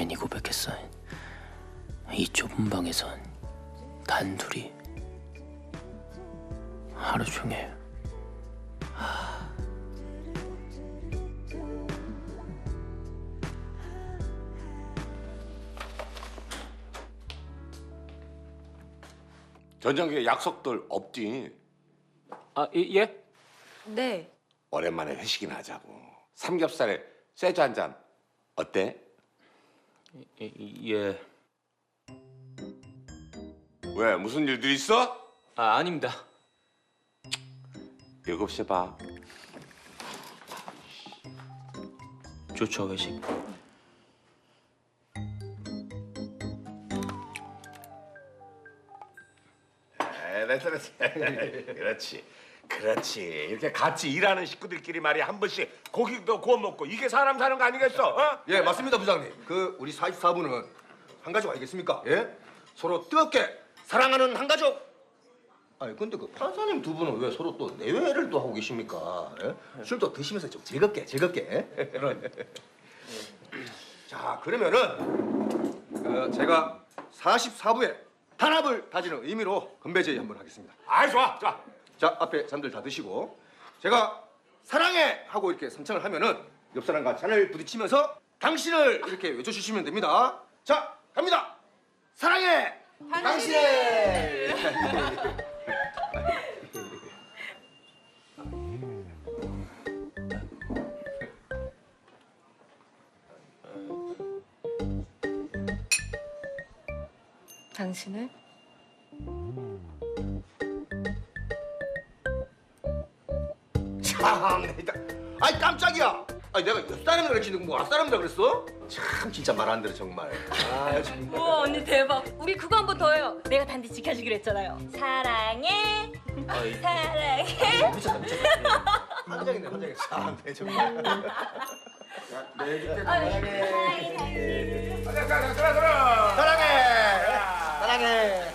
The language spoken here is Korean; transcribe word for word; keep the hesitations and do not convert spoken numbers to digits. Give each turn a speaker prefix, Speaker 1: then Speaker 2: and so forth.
Speaker 1: 괜히 고백했어. 이 좁은 방에선 단둘이 하루 종일.
Speaker 2: 저녁에 약속들 없지?
Speaker 1: 아, 예?
Speaker 3: 네.
Speaker 2: 오랜만에 회식이나 하자고. 삼겹살에 쇠주 한 잔 어때?
Speaker 1: 예, 예.
Speaker 2: 왜 무슨 일들 있어?
Speaker 1: 아, 아닙니다.
Speaker 2: 일곱 시에 봐.
Speaker 1: 좋죠, 회식.
Speaker 2: 그렇지, 그렇지, 그렇지. 이렇게 같이 일하는 식구들끼리 말이야 한 번씩 고기도 구워 먹고 이게 사람 사는 거 아니겠어? 어?
Speaker 4: 예, 맞습니다, 부장님. 그 우리 사십사 부는 한 가족 아니겠습니까? 예? 서로 뜨겁게 사랑하는 한 가족. 아니, 근데 그 판사님 두 분은 왜 서로 또 내외를 또 하고 계십니까? 예? 술도 드시면서 좀 즐겁게, 즐겁게. 예? 자, 그러면은 어, 제가 사십사 부에 단합을 다지는 의미로 건배 제의 한번 하겠습니다.
Speaker 2: 아이 좋아, 좋아.
Speaker 4: 자, 앞에 잔들 다 드시고 제가 사랑해 하고 이렇게 선창을 하면은 옆 사람과 잔을 부딪히면서 당신을 이렇게 외쳐주시면 됩니다. 자, 갑니다. 사랑해 당신을.
Speaker 3: 당신을?
Speaker 4: 참, 내가 아이 깜짝이야. 아니 내가 옆 사람이라 그랬지 뭐 앞사람이라 그랬어? 참 진짜 말 안 들어 정말. 아 정말.
Speaker 3: 우와 언니 대박. 우리 그거 한 번 더 해요. 내가 단디 지켜주기로 했잖아요. 사랑해. 사랑해.
Speaker 4: 미쳤다 미쳤다. 환장이네 환장이. 참, 내 정말. 자, 내 곁에 사랑해.
Speaker 2: 가자, 가자, 들어, 들어.
Speaker 4: 사랑해. 사랑해.